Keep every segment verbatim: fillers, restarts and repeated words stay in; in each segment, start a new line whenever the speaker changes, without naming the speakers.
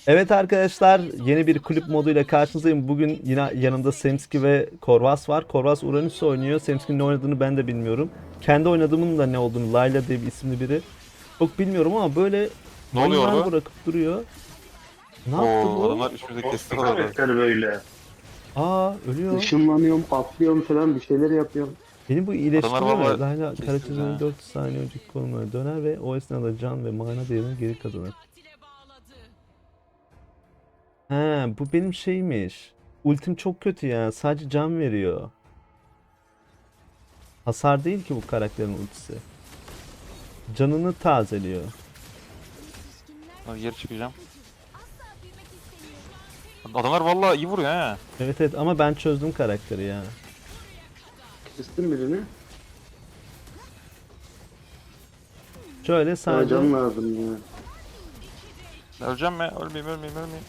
Evet arkadaşlar, yeni bir kulüp moduyla karşınızdayım. Bugün yine yanımda Semski ve Korvas var. Korvas Uranüs oynuyor. Semski'nin ne oynadığını ben de bilmiyorum. Kendi oynadığımın da ne olduğunu, Layla diye bir isimli biri. Çok bilmiyorum ama böyle
Ne oluyor
mayınlar
orada?
bırakıp duruyor. Ne yaptı
Oo,
bu?
adamlar üstümüze
Nasıl
kesti
bir
orada.
karakter böyle?
Aa, ölüyor.
Işınlanıyorum, patlıyorum falan bir şeyler yapıyorum.
Beni bu
Adamlar
iyileştiriyor.
valla
Layla
kesti bizi
karakterinin
ha.
dört saniye önceki konumuna döner ve o esnada can ve mana değerini geri kazanır. He, bu benim şeymiş. Ultim çok kötü ya. Sadece can veriyor. Hasar değil ki bu karakterin ultisi. Canını tazeliyor.
Hadi geri çıkacağım. Adamlar valla iyi vuruyor ha.
Evet evet ama ben çözdüm karakteri ya.
Kestin birini.
Şöyle
Daha
sadece
can lazım ya.
Öleceğim mi? Ölmeyeyim ölmeyeyim ölmeyeyim.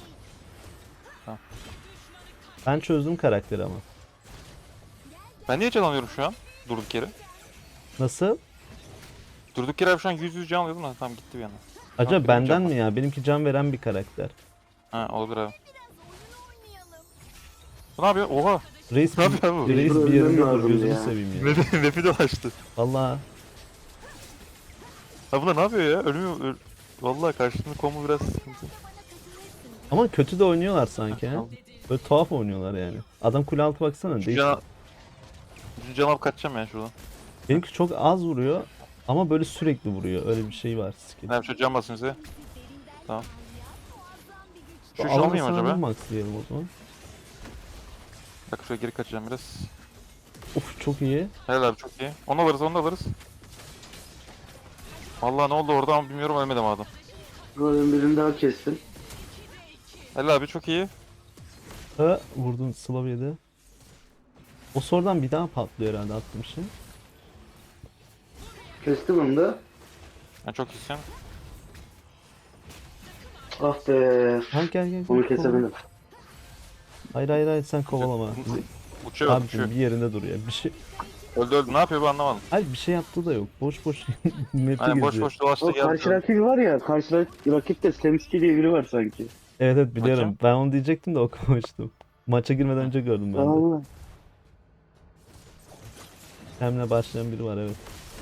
ben çözdüm karakteri ama.
Ben niye can alıyorum şu an? Durduk yere.
Nasıl?
Durduk yere şu an yüz yüz can alıyordum da tamam gitti bir yana.
Acaba
benim can
benden
var.
mi ya? Benimki can veren bir karakter.
Ha olabilir abi. Bu ne yapıyor? Oha.
Reis,
Ne yapıyor bu?
reis
Mecbur
bir
ölmem
yerinde dur
lazımdı
gözünü
ya.
seveyim ya.
Map'i map'i dolaştı.
Allah.
Ha bunlar ne yapıyor ya? Ölmüyor. Öl... Valla karşımda combo biraz sıkıntı.
Ama kötü de oynuyorlar sanki ha.
Tamam.
Böyle tuhaf oynuyorlar yani. Adam kule altı baksana
Şu
değişik.
can... Şu can alıp kaçacağım yani şuradan.
Benimki çok az vuruyor ama böyle sürekli vuruyor. Öyle bir şey var skill.
Ne yapayım? Can basın size. Tamam. Şu şu
Alanı
almayayım
sana
acaba?
maxlayalım o zaman.
Bak şuraya geri kaçacağım biraz.
Of çok iyi.
Helal abi çok iyi. Onu alırız onu da alırız. Vallahi ne oldu orada ama bilmiyorum ölmedim adam.
Ama ben birini daha kestim.
Helal abi çok iyi.
Ha, vurdun Slav yedi. O sonradan bir daha patlıyor herhalde attığım şey.
Kestim onu da.
Yani çok iyisin.
Ah be.
Ha gel gel gel.
Onu
kovala.
kesemedim.
Hayır hayır hayır sen kovalama.
Uçuyor
Abicim
uçuyor.
bir yerinde dur ya. Bir şey.
Öldü öldü ne yapıyor bu anlamadım.
Hayır bir şey yaptığı da yok. Boş boş map'i
Aynen boş
geziyor.
boş dolaştı
O karşı
geldi.
rakibi var ya, karşı rak- rakipte Slemski diye biri var sanki.
Evet evet biliyorum.
Bakayım.
Ben onu diyecektim de okumamıştım. Maça girmeden önce gördüm ben de.
Allah.
Hemle başlayan biri var evet.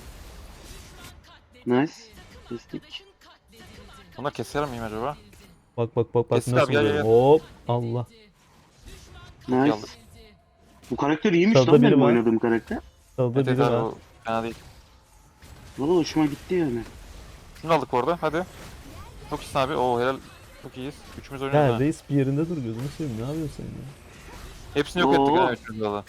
Nice. Kestik.
Bunları keser miyim acaba?
Bak bak bak bak
Kesin
nasıl
abi, gel,
vuruyor.
gel,
Hop Allah.
Çok iyi
Nice.
aldık.
Bu karakter iyiymiş
Sağda
lan
biri
benim
var.
oynadığım karakter.
Sağda
Evet evet
biri
abi
var.
o fena değil.
Valla hoşuma gitti yani.
Şunu aldık bu arada hadi. Çok iyisin abi. Oo helal. Çok iyiyiz. Üçümüz oynuyoruz
Ya
ha.
reis bir yerinde dur gözünü seveyim. Ne yapıyorsun sen ya?
Hepsini yok ettik
Oo.
ha üçümüz valla.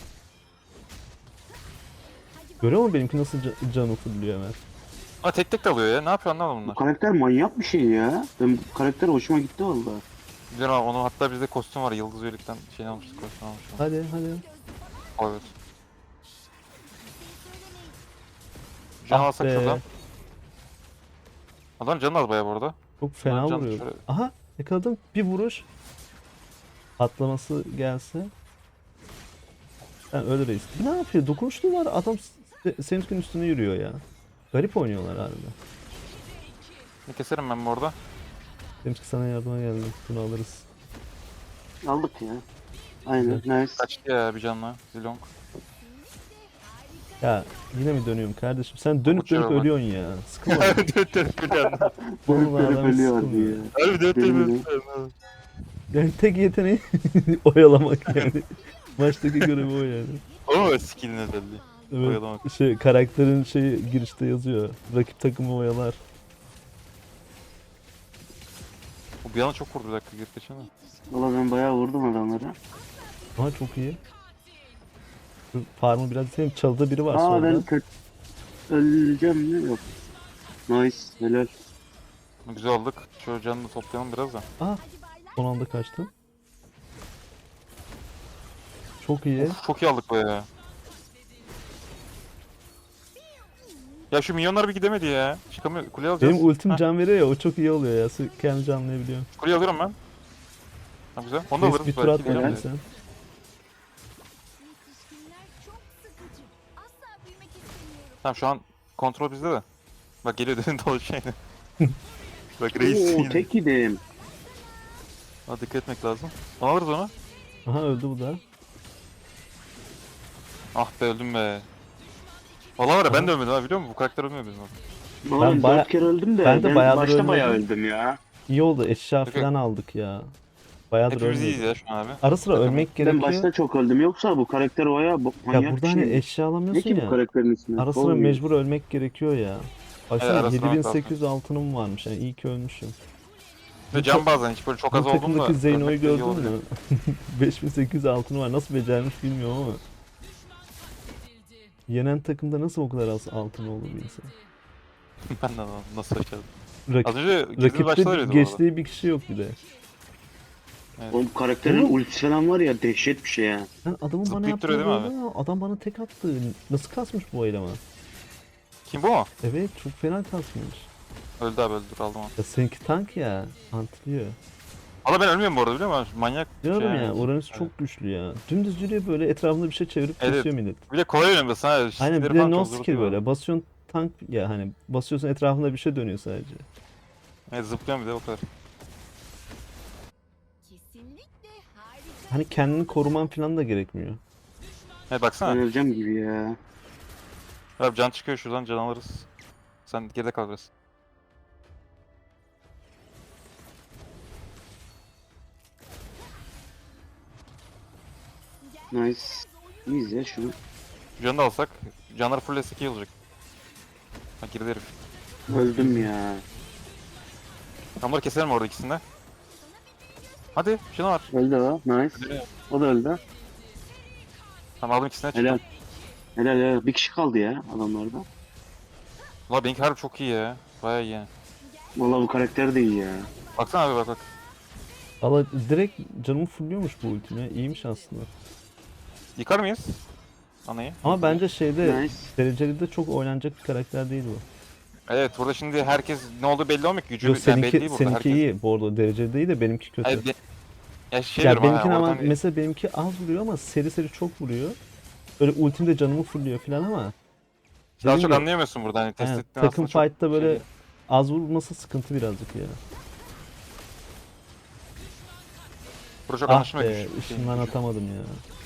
Görüyor musun benimki nasıl ca- canı fırlıyor hemen?
Ama tek tek de alıyor ya. Ne yapıyor anlamadım
Bu
bunlar.
karakter manyak bir şey ya. Ben bu karakter hoşuma gitti valla.
Biliyorum abi onu hatta bizde kostüm var. Yıldız Üyelik'ten şey almıştık kostüm almıştık.
Hadi hadi.
O evet. Can
Ah
alsak
be.
şuradan. Adam canı az bayağı bu arada.
Çok fena
Can
vuruyor.
şöyle-
Aha yakaladım. Bir vuruş. Patlaması gelse. Ben öyle reis. Ne yapıyor? Dokunuşlu var. Adam se- Semsk'in üstüne yürüyor ya. Garip oynuyorlar harbiden.
Ne keserim ben bu arada.
Semsk sana yardıma geldi. Bunu alırız.
Aldık ya. Aynen nice.
Kaçtı ya bir canla. Zilong.
Ya yine mi dönüyorum kardeşim? Sen dönüp
Uçuyor
dönüp
bak.
ölüyorsun ya. Sıkılma.
Dört dört biliyorum.
Dönüp
Vallahi
dönüp
adam
ölüyor
sıkılmıyor.
ya.
Harbi dört dört
Benim de.
biliyorum.
Yani tek yeteneği oyalamak yani. Maçtaki görevi o yani.
O skill'in özelliği.
Evet.
Oyalamak.
Şey karakterin şeyi girişte yazıyor. Rakip takımı oyalar.
O bir anda çok vurdu bir dakika geri kaçana.
Valla ben bayağı vurdum adamlara.
Ama çok iyi. Şu farmı biraz seveyim. Çalıda biri var
Aa
solda.
ben kötü öleceğim mi? Yok. Nice. Helal.
Güzel aldık. Şu canını da toplayalım biraz da.
Aa, son anda kaçtı. Çok iyi.
Of, çok iyi aldık be ya. Ya şu milyonlar bir gidemedi ya. Çıkamıyor. Kuleyi alacağız.
Benim ultim
Heh,
can veriyor ya o çok iyi oluyor ya. Sı- Kendi canlayabiliyorum.
kuleyi alıyorum ben. Ha güzel. Onu da
Reis
alırız.
bir tur
belki
at bakayım
gideceğim de.
sen.
Tamam şu an kontrol bizde de. Bak geliyor dedin dolaşıyor yine. Bak reis
Oo
yine.
tek yedim.
Ha, dikkat etmek lazım. Onu alırız onu.
Aha öldü bu da.
Ah be öldüm be. Valla var ya ben
Aha.
de ölmedim ha biliyor musun? Bu karakter ölmüyor bizim orada.
Valla
Ben
ben
baya-
dört kere öldüm de
ben
ben,
de bayağıdır
başta bayağı
ölmedim.
öldüm ya.
İyi oldu, eşya
Yok, yok.
falan aldık ya. Bayağıdır
Hepimiz iyiyiz
ölmüyorduk.
ya şu an abi.
Ara sıra
Takım.
ölmek
Ben
gerekiyor.
başta çok öldüm, yoksa bu karakter bayağı bo-
Ya
manyak
burada
bir
hani
şey.
eşya
Ne
alamıyorsun
ki bu
ya.
karakterin ismi?
Ara sıra
Olmuyor.
mecbur ölmek gerekiyor ya.
Evet,
Baksana
ara sıra ölmek
yedi bin sekiz yüz altınım varmış yani, iyi ki ölmüşüm.
Ve can bazen hiç böyle çok az
Bu
oldum da.
takımdaki Zeyno'yu
ölmek de iyi
gördün
oluyor.
mü? beş bin sekiz yüz altını var. Nasıl becermiş bilmiyorum ama. Yenen takımda nasıl o kadar az altın olur bir insan?
Ben de anlamadım nasıl başladım.
Rak
Az önce girdiğimiz başta
rakipte
öyleydi bu arada.
geçtiği bir kişi yok bir de.
Oğlum bu karakterin
Oğlum.
ultisi falan var ya, dehşet bir şey ya.
Lan adamın bana
Zıplayıp
yaptığı
duruyor değil mi
böyle ya. Adam bana tek attı. Nasıl kasmış bu eleman?
Kim bu mu?
Evet çok fena kasmış.
Öldü abi öldü dur aldım onu.
Ya seninki tank ya. Antlıyor.
Valla ben ölmüyorum bu arada biliyor musun? Manyak bir
Diyorum
şey
ya
yani.
Uranüs çok güçlü ya. Dümdüz yürüyor böyle, etrafında bir şey çevirip
Evet.
kesiyor millet.
Bir de kolay oynuyorsun ha.
Aynen,
skill'leri
bir de
falan
no
çok
skill
zorluyor.
böyle. Basıyorsun tank ya, hani basıyorsun etrafında bir şey dönüyor sadece.
Evet zıplıyorum bir de o kadar.
Kesinlikle harika.
Hani kendini koruman falan da gerekmiyor.
He
Ben
baksana.
öleceğim gibi ya.
Abi can çıkıyor şuradan can alırız. Sen geride kal biraz.
Nice. İyiyiz ya şunu.
Canı da alsak. Canlar full iyi olacak. Ha girdi herif.
Öldüm ya.
Tamları keselim orada ikisini de. Hadi şuna var.
Öldü o. Nice. O da öldü.
Tamam aldım ikisini de
Helal.
çıktım.
Helal helal. Bir kişi kaldı ya adamlarda.
Valla benimki harbi çok iyi ya. Baya iyi yani.
Vallahi bu karakter de iyi ya.
Baksana abi bak bak.
Valla direkt canımı fulluyormuş bu ultime. İyiymiş aslında.
Yıkar mıyız? Anayı.
Ama bence şeyde
Nice.
dereceli de çok oynanacak bir karakter değil bu.
Evet burada şimdi herkes ne olduğu belli olmuyor ki. Gücü
Yok
yani belli
seninki,
değil burada
seninki
herkes.
iyi. Bu arada dereceli değil de benimki kötü.
Hayır, be- ya şey
Ya
diyorum ha,
benimkine ama
oradan bir-
mesela benimki az vuruyor ama seri seri çok vuruyor. Böyle ultimde canımı fulluyor falan ama.
daha
dediğim
çok
gibi,
anlayamıyorsun burada hani test
aynen,
ettiğin
takım
aslında çok
fight'ta böyle
şey değil.
az vurması sıkıntı birazcık ya.
Burada çok
Ah
anlaşılmıyor
be,
güç- şeyin
ışından
gücü.
atamadım ya.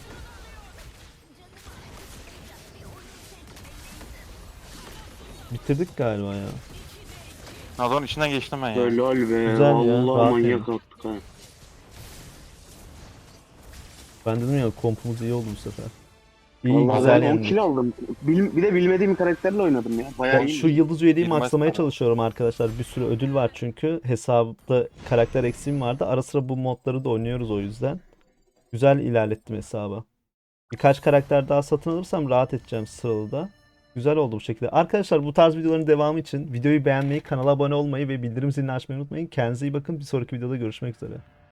Bitirdik galiba ya.
Nadal'ın içinden geçtim ben ya.
Helal be.
Güzel ya,
Allah
rahat
manyak
yani.
attık ha.
Ben dedim ya, kompumuz iyi oldu bu sefer. İyi,
Vallahi
güzel
ben on
yendik.
kill aldım. Bil- bir de bilmediğim bir karakterle oynadım ya. Bayağı
O-
iyi.
Şu yıldız üyeliği
Bilmez
maxlamaya
tabii.
çalışıyorum arkadaşlar. Bir sürü ödül var çünkü. Hesapta karakter eksiğim vardı. Ara sıra bu modları da oynuyoruz o yüzden. Güzel ilerlettim hesabı. Birkaç karakter daha satın alırsam rahat edeceğim sıralı da. Güzel oldu bu şekilde. Arkadaşlar bu tarz videoların devamı için videoyu beğenmeyi, kanala abone olmayı ve bildirim zilini açmayı unutmayın. Kendinize iyi bakın. Bir sonraki videoda görüşmek üzere.